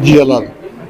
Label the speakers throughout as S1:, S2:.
S1: ਜੀਆ ਲਾਲ।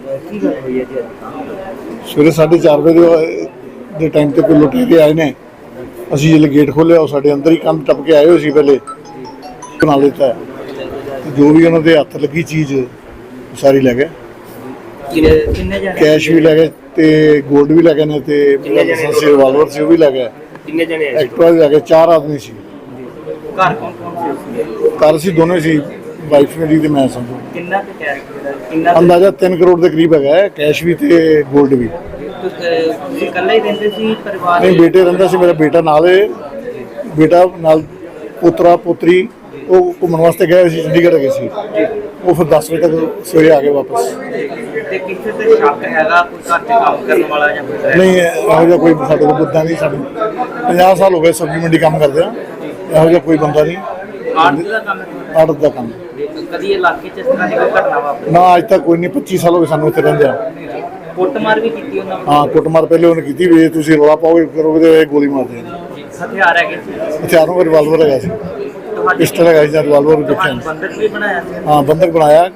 S1: ਸਵੇਰੇ 4:30 ਵਜੇ ਦੇ ਟਾਈਮ ਤੇ ਕੋਈ ਲੁਟੇਰੇ ਆਏ ਨੇ। ਅਸੀਂ ਜਦੋਂ ਗੇਟ ਖੋਲ੍ਹਿਆ ਉਹ ਸਾਡੇ ਅੰਦਰ ਹੀ ਕੰਧ ਟੱਪ ਕੇ ਆਏ ਹੋਏ ਸੀ। ਪਹਿਲੇ ਬਣਾ ਦਿੱਤਾ ਜੋ ਵੀ ਉਹਨਾਂ ਦੇ ਹੱਥ ਲੱਗੀ ਚੀਜ਼ ਸਾਰੀ ਲੈ ਗਏ। ਕੈਸ਼ ਵੀ ਲੈ ਗਏ ਤੇ ਗੋਲਡ ਵੀ ਲੈ ਗਏ ਨੇ ਤੇ ਰਿਵਾਲਵਰ ਸੀ ਉਹ ਵੀ ਲੈ ਗਏ।
S2: ਕਿੰਨੇ ਜਣੇ ਆਏ ਸੀ?
S1: ਐਕਟਿਵਾ ਵੀ ਲੈ ਗਏ। 4 ਆਦਮੀ ਸੀ।
S2: ਘਰ ਕੌਣ ਕੌਣ ਸੀ?
S1: ਘਰ ਅਸੀਂ ਦੋਨੇ ਸੀ, ਵਾਈਫ ਮੇਰੀ ਤੇ ਮੈਂ ਸਮਝੋ।
S2: ਕਿੰਨਾ ਕੁ ਕੈਸ਼ ਕਿੰਨਾ
S1: ਅੰਦਾਜ਼ਾ 3 ਕਰੋੜ ਦੇ ਕਰੀਬ ਹੈਗਾ ਹੈ, ਕੈਸ਼ ਵੀ ਤੇ ਗੋਲਡ ਵੀ।
S2: ਤੁਸੀਂ ਇਕੱਲੇ ਹੀ ਰਹਿੰਦੇ ਸੀ ਪਰਿਵਾਰ?
S1: ਨਹੀਂ, ਬੇਟੇ ਰਹਿੰਦਾ ਸੀ। ਮੇਰਾ ਬੇਟਾ ਨਾਲ ਹੈ, ਬੇਟਾ ਨਾਲ ਪੋਤਰਾ ਪੋਤਰੀ। ਉਹ ਘੁੰਮਣ ਵਾਸਤੇ ਗਏ ਸੀ, ਚੰਡੀਗੜ੍ਹ ਗਏ ਸੀ। ਉਹ ਫਿਰ 10 ਵਜੇ ਤੱਕ ਸਵੇਰੇ ਆ ਗਏ ਵਾਪਸ।
S2: ਤੇ ਕਿਸੇ ਤੇ ਸ਼ੱਕ ਹੈਗਾ ਕੋਈ ਘਰ 'ਚ ਕੰਮ ਕਰਨ ਵਾਲਾ ਜਾਂ ਕੋਈ?
S1: ਨਹੀਂ, ਇਹੋ ਜਿਹਾ ਕੋਈ ਸਾਡੇ ਕੋਲ ਬੰਦਾ ਨਹੀਂ। ਸਾਨੂੰ 50 ਸਾਲ ਹੋ ਗਏ ਸਬਜ਼ੀ ਮੰਡੀ ਕੰਮ ਕਰਦੇ ਆ। ਇਹੋ ਜਿਹਾ ਕੋਈ ਬੰਦਾ ਨਹੀਂ।
S2: ਆੜਤ ਦਾ ਕੰਮ ਹੈ?
S1: ਆੜਤ ਦਾ ਕੰਮ।
S2: ਕਦੀ ਇਲਾਕੇ 'ਚ ਇਸ ਤਰ੍ਹਾਂ ਦੀ ਕੋਈ ਘਟਨਾ ਵਾਪਰੀ?
S1: ਨਾ, ਅੱਜ ਤੱਕ ਕੋਈ ਨਹੀਂ। 25 ਸਾਲ ਹੋ ਗਏ ਸਾਨੂੰ ਇੱਥੇ ਰਹਿੰਦੇ ਆ।
S2: ਕੁੱਟਮਾਰ ਵੀ ਕੀਤੀ ਉਹਨਾਂ ਨੇ?
S1: ਹਾਂ, ਕੁੱਟਮਾਰ ਪਹਿਲੇ ਉਹਨੇ ਕੀਤੀ ਵੀ ਤੁਸੀਂ ਰੌਲਾ ਪਾਓਗੇ ਕਰੋਗੇ ਤੇ ਗੋਲੀ ਮਾਰ ਦੇਣੀ।
S2: ਹਥਿਆਰ ਹੈਗੇ ਸੀ?
S1: ਹਥਿਆਰਾਂ ਦਾ ਰਿਵਾਲਵਰ ਹੈਗਾ ਸੀ, ਪਿਸਟਲ ਹੈਗਾ ਸੀ ਜਾਂ ਰਿਵਾਲਵਰ ਵੀ ਦੇਖਿਆ।
S2: ਬੰਦਕ ਵੀ ਬਣਾਇਆ ਸੀ?
S1: ਹਾਂ, ਬੰਦਕ ਬਣਾਇਆ।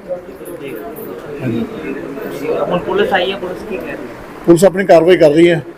S2: ਹੁਣ ਪੁਲਿਸ ਆਈ ਹੈ, ਪੁਲਿਸ ਕੀ ਕਹਿ ਰਹੀ ਹੈ?
S1: ਪੁਲਿਸ ਆਪਣੀ ਕਾਰਵਾਈ ਕਰ ਰਹੀ ਹੈ।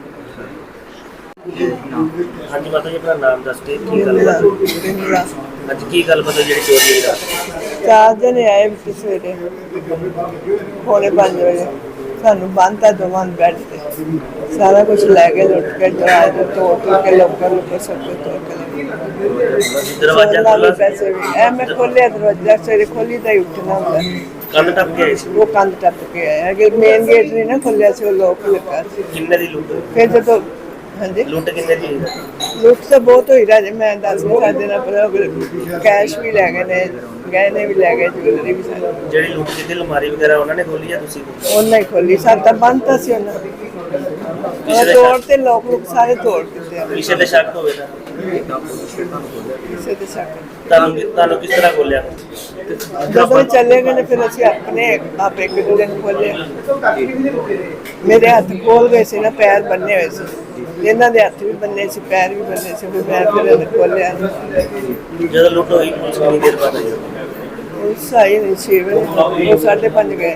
S2: ਹਾਂਜੀ ਮਾਤਾ ਜੀ, ਆਪਣਾ ਨਾਮ ਦੱਸ ਕੇ ਕੀ ਗੱਲ ਅੱਜ ਕੀ ਗੱਲ ਪਤਾ ਜਿਹੜੀ ਚੋਰੀ ਹੋਈ ਰਾਤ?
S3: 4 ਜਣੇ ਆਏ ਵਿੱਚ ਸਵੇਰੇ ਪੌਣੇ 5 ਵਜੇ। ਸਾਨੂੰ ਬੰਨ੍ਹਤਾ ਦੋਵਾਂ ਨੂੰ ਬੈੱਡ ਤੇ। ਸਾਰਾ ਕੁਝ ਲੈ ਕੇ ਲੁੱਟ ਕੇ ਦਰਵਾਜ਼ੇ ਤੋੜ ਕੇ ਲੋਕਾਂ ਨੂੰ ਸਭ ਕੁਝ ਤੋੜ ਕੇ
S2: ਦਰਵਾਜ਼ਾ ਖੋਲ੍ਹਾ?
S3: ਪੈਸੇ ਵੀ ਮੈਂ ਖੋਲ੍ਹਿਆ ਦਰਵਾਜ਼ਾ। ਸਵੇਰੇ ਖੋਲ੍ਹੀ ਤਾਂ ਹੀ ਉੱਠਣਾ ਹੁੰਦਾ।
S2: ਕੰਧ ਟੱਪ ਕੇ ਆਏ ਸੀ?
S3: ਉਹ ਕੰਧ ਟੱਪ ਕੇ ਆਇਆ ਕਿ ਮੇਨ ਗੇਟ ਨਹੀਂ ਨਾ ਖੋਲ੍ਹਿਆ ਸੀ, ਉਹ ਲੋਕ ਲੱਗਾ ਸੀ।
S2: ਕਿੰਨੇ ਦੀ ਲੁੱਟ?
S3: ਫਿਰ ਜਦੋਂ ਹਾਂਜੀ
S2: ਲੁੱਟ ਕਿੰਨੇ ਦੀ?
S3: ਲੁੱਟ ਤਾਂ ਬਹੁਤ ਹੋਈ ਰਾਜੇ, ਮੈਂ ਦੱਸ ਨਹੀਂ ਸਕਦੇ ਨਾ। ਪਰ ਕੈਸ਼ ਵੀ ਲੈ ਗਏ ਨੇ, ਗਹਿਣੇ ਵੀ ਲੈ ਗਏ, ਜੁਐਲਰੀ ਵੀ ਸਾਰੀ।
S2: ਜਿਹੜੀ ਲੁੱਟ ਕੀਤੀ ਅਲਮਾਰੀ ਵਗੈਰਾ ਉਹਨਾਂ ਨੇ ਖੋਲੀ ਜਾਂ ਤੁਸੀਂ?
S3: ਉਹਨਾਂ ਹੀ ਖੋਲੀ। ਸਾਡਾ ਬੰਦ ਤਾਂ ਸੀ ਉਹਨਾਂ ਦੀ। ਤੋੜ ਤੇ ਲੋਕ ਸਾਰੇ ਤੋੜ ਦਿੱਤੇ ਆ।
S2: ਕਿਸੇ ਦੇ ਸ਼ੱਕ ਹੋਵੇ ਤਾਂ?
S3: ਕਿਸੇ ਦੇ ਸ਼ੱਕ
S2: ਤੁਹਾਨੂੰ ਕਿਸ ਤਰ੍ਹਾਂ ਖੋਲਿਆ?
S3: ਜਦੋਂ ਚੱਲੇ ਗਏ ਨੇ ਫਿਰ ਅਸੀਂ ਆਪਣੇ ਆਪ ਇੱਕ ਦੂਜੇ ਨੂੰ ਖੋਲੇ। ਮੇਰੇ ਹੱਥ ਖੋਲ ਗਏ ਸੀ ਨਾ, ਪੈਰ ਬੰਨੇ ਹੋਏ ਸੀ। ਇਹਨਾਂ ਦੇ ਹੱਥ ਵੀ ਬੰਨੇ ਸੀ, ਪੈਰ ਵੀ ਬੰਨੇ ਸੀ। ਫਿਰ ਮੈਂ ਫਿਰ ਖੋਲਿਆ।
S2: ਜਦੋਂ ਲੁੱਟ ਹੋਈ ਪੁਲਿਸ ਕਿੰਨੀ ਦੇਰ ਬਾਅਦ ਆਈ?
S3: ਉਸ ਆਈ ਨਹੀਂ 6 ਵਜੇ। ਉਹ 5:30 ਗਏ।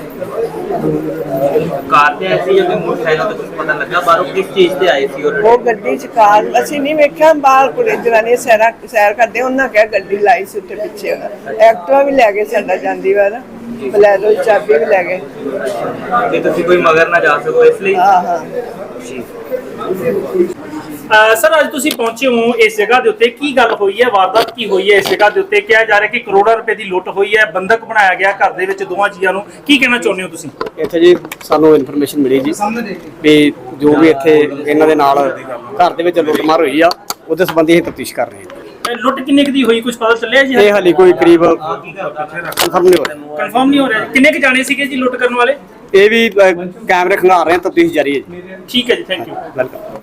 S2: ਕਾਰ ਤੇ ਆਏ ਸੀ ਜਾਂ ਮੋਟਰਸਾਈਕਲ ਤੇ? ਕੁਝ ਪਤਾ ਲੱਗਾ ਬਾਹਰੋਂ ਕਿਸ ਚੀਜ਼ ਤੇ ਆਏ ਸੀ?
S3: ਉਹ ਗੱਡੀ 'ਚ ਕਾਰ ਅਸੀਂ ਨਹੀਂ ਵੇਖਿਆ। ਬਾਹਰ ਕੁੜੇ ਜਨਾਨੀਆਂ ਸੈਰ ਕਰਦੇ, ਉਹਨਾਂ ਕਿਹਾ ਗੱਡੀ ਲਾਈ ਸੀ ਉੱਥੇ ਪਿੱਛੇ। ਐਕਟਿਵਾ ਵੀ ਲੈ ਗਏ ਸਾਡਾ ਜਾਂਦੀ ਵਾਰ। ਬਲੈਰੋ ਦੀ ਚਾਬੀ ਵੀ ਲੈ ਗਏ।
S2: ਤੇ ਤੁਸੀਂ ਕੋਈ ਮਗਰ ਨਾ ਜਾ ਸਕੋ ਇਸ ਲਈ?
S3: ਹਾਂ।
S4: ਸਰ, ਅੱਜ ਤੁਸੀਂ ਪਹੁੰਚੇ ਹੋ ਇਸ ਜਗ੍ਹਾ ਦੇ ਉੱਤੇ, ਕੀ ਗੱਲ ਹੋਈ ਹੈ? ਵਾਰਦਾਤ ਕੀ ਹੋਈ ਹੈ ਇਸ ਜਗ੍ਹਾ ਦੇ ਉੱਤੇ? ਕਿਹਾ ਜਾ ਰਿਹਾ ਕਿ ਕਰੋੜਾਂ ਰੁਪਏ ਦੀ ਲੁੱਟ ਹੋਈ ਹੈ, ਬੰਦਕ ਬਣਾਇਆ ਗਿਆ ਘਰ ਦੇ ਵਿੱਚ ਦੋਵਾਂ ਜੀਆਂ ਨੂੰ। ਕੀ ਕਹਿਣਾ ਚਾਹੁੰਦੇ ਹੋ ਤੁਸੀਂ?
S5: ਇੱਥੇ ਜੀ ਸਾਨੂੰ ਇਨਫੋਰਮੇਸ਼ਨ ਮਿਲੀ ਜੀ ਵੀ ਜੋ ਵੀ ਇੱਥੇ ਇਹਨਾਂ ਦੇ ਨਾਲ ਘਰ ਦੇ ਵਿੱਚ ਲੁੱਟਮਾਰ ਹੋਈ ਆ, ਉਹਦੇ ਸੰਬੰਧੀ ਅਸੀਂ ਤਫਤੀਸ਼ ਕਰ ਰਹੇ ਹਾਂ।
S4: ਲੁੱਟ ਕਿੰਨੇ ਕੁ ਦੀ ਹੋਈ, ਕੁਝ ਪਤਾ ਚੱਲਿਆ ਜੀ?
S5: ਇਹ ਹਾਲੇ ਕੋਈ ਕਰੀਬ ਕਨਫਰਮ
S4: ਨਹੀਂ ਹੋ ਰਿਹਾ। ਕਿੰਨੇ ਕੁ ਜਾਣੇ ਸੀਗੇ ਜੀ ਲੁੱਟ ਕਰਨ ਵਾਲੇ?
S5: ਇਹ ਵੀ ਕੈਮਰੇ ਖੰਗਾਰ ਰਹੇ ਹਾਂ, ਤਫਤੀਸ਼ ਜਾਰੀ ਹੈ ਜੀ।
S4: ਠੀਕ ਹੈ ਜੀ, ਥੈਂਕ ਯੂ।
S5: ਵੈਲਕਮ।